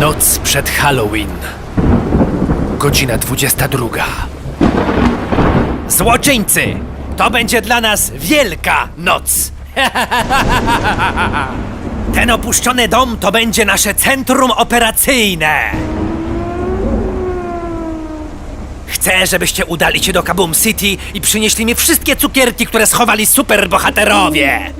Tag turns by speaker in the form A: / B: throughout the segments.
A: Noc przed Halloween. Godzina 22. Złoczyńcy! To będzie dla nas wielka noc! Ten opuszczony dom to będzie nasze centrum operacyjne! Chcę, żebyście udali się do Kaboom City i przynieśli mi wszystkie cukierki, które schowali superbohaterowie!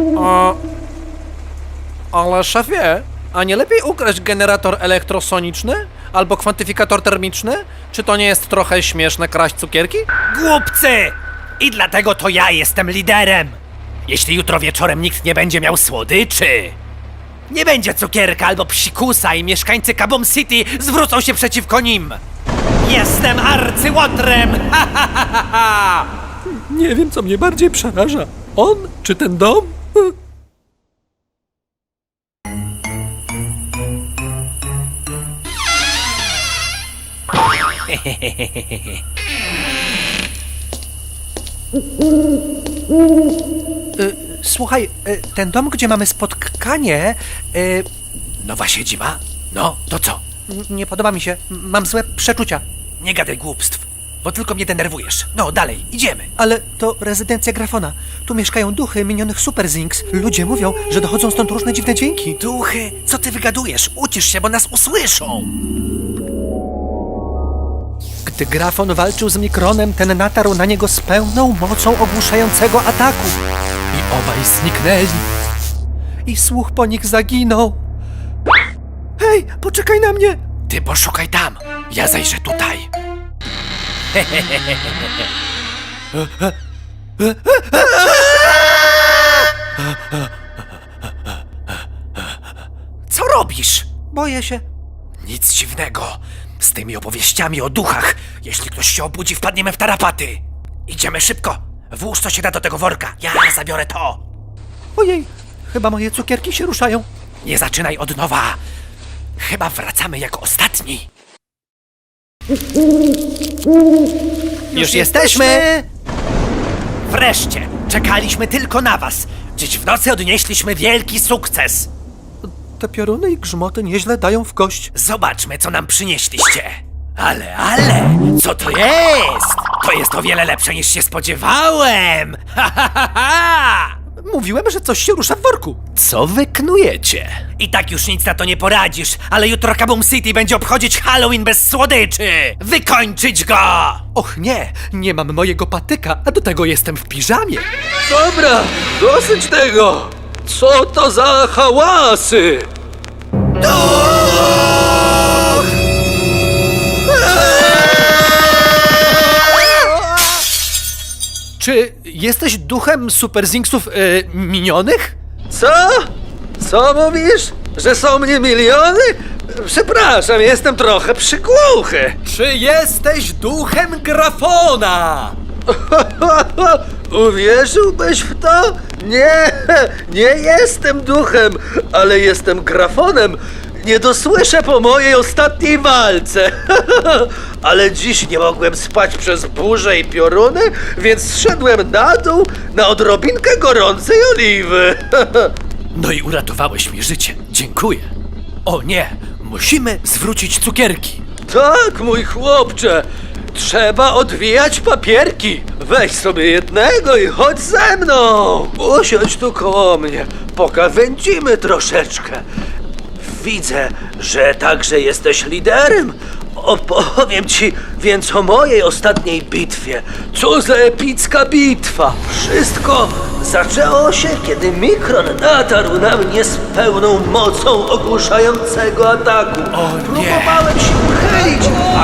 B: Ale szefie, a nie lepiej ukraść generator elektrosoniczny? Albo kwantyfikator termiczny? Czy to nie jest trochę śmieszne kraść cukierki?
A: Głupcy! I dlatego to ja jestem liderem! Jeśli jutro wieczorem nikt nie będzie miał słodyczy, nie będzie cukierka albo psikusa i mieszkańcy Kaboom City zwrócą się przeciwko nim! Jestem arcyłotrem! Ha, ha, ha, ha, ha!
B: Nie wiem, co mnie bardziej przeraża. On czy ten dom?
A: Słuchaj, ten dom, gdzie mamy spotkanie... Nowa siedziba? No, to co?
B: Nie podoba mi się. Mam złe przeczucia.
A: Nie gadaj głupstw, bo tylko mnie denerwujesz. No, dalej, idziemy.
B: Ale to rezydencja Grafona. Tu mieszkają duchy minionych Super Zinks. Ludzie mówią, że dochodzą stąd różne dziwne dźwięki.
A: Duchy, co ty wygadujesz? Ucisz się, bo nas usłyszą.
B: Gdy Grafon walczył z Mikronem, ten natarł na niego z pełną mocą ogłuszającego ataku. I obaj zniknęli. I słuch po nich zaginął. Hej, poczekaj na mnie!
A: Ty poszukaj tam, ja zajrzę tutaj. Co robisz?
B: Boję się.
A: Nic dziwnego. Z tymi opowieściami o duchach. Jeśli ktoś się obudzi, wpadniemy w tarapaty. Idziemy szybko. Włóż co się da do tego worka. Ja zabiorę to.
B: Ojej, chyba moje cukierki się ruszają.
A: Nie zaczynaj od nowa. Chyba wracamy jako ostatni.
B: Już jesteśmy!
A: Wreszcie! Czekaliśmy tylko na was. Dziś w nocy odnieśliśmy wielki sukces.
B: Te pioruny i grzmoty nieźle dają w kość.
A: Zobaczmy, co nam przynieśliście. Ale, co to jest? To jest o wiele lepsze niż się spodziewałem. Ha, ha, ha, ha!
B: Mówiłem, że coś się rusza w worku.
A: Co wy knujecie? I tak już nic na to nie poradzisz, ale jutro Kaboom City będzie obchodzić Halloween bez słodyczy! Wykończyć go!
B: Och nie, nie mam mojego patyka, a do tego jestem w piżamie.
C: Dobra, dosyć tego! Co to za hałasy?
B: Czy jesteś duchem Super Zinksów minionych?
C: Co? Co mówisz? Że są mnie miliony? Przepraszam, jestem trochę przygłuchy.
B: Czy jesteś duchem Grafona?
C: Uwierzyłbyś w to? Nie jestem duchem, ale jestem grafonem. Nie dosłyszę po mojej ostatniej walce. Ale dziś nie mogłem spać przez burzę i pioruny, więc zszedłem na dół na odrobinkę gorącej oliwy.
A: No i uratowałeś mi życie. Dziękuję. O nie, musimy zwrócić cukierki.
C: Tak, mój chłopcze. Trzeba odwijać papierki. Weź sobie jednego i chodź ze mną. Usiądź tu koło mnie. Pokawędzimy troszeczkę. Widzę, że także jesteś liderem. Opowiem ci więc o mojej ostatniej bitwie. Co za epicka bitwa! Wszystko zaczęło się, kiedy Mikron natarł na mnie z pełną mocą ogłuszającego ataku.
A: O nie.
C: Próbowałem się uchylić,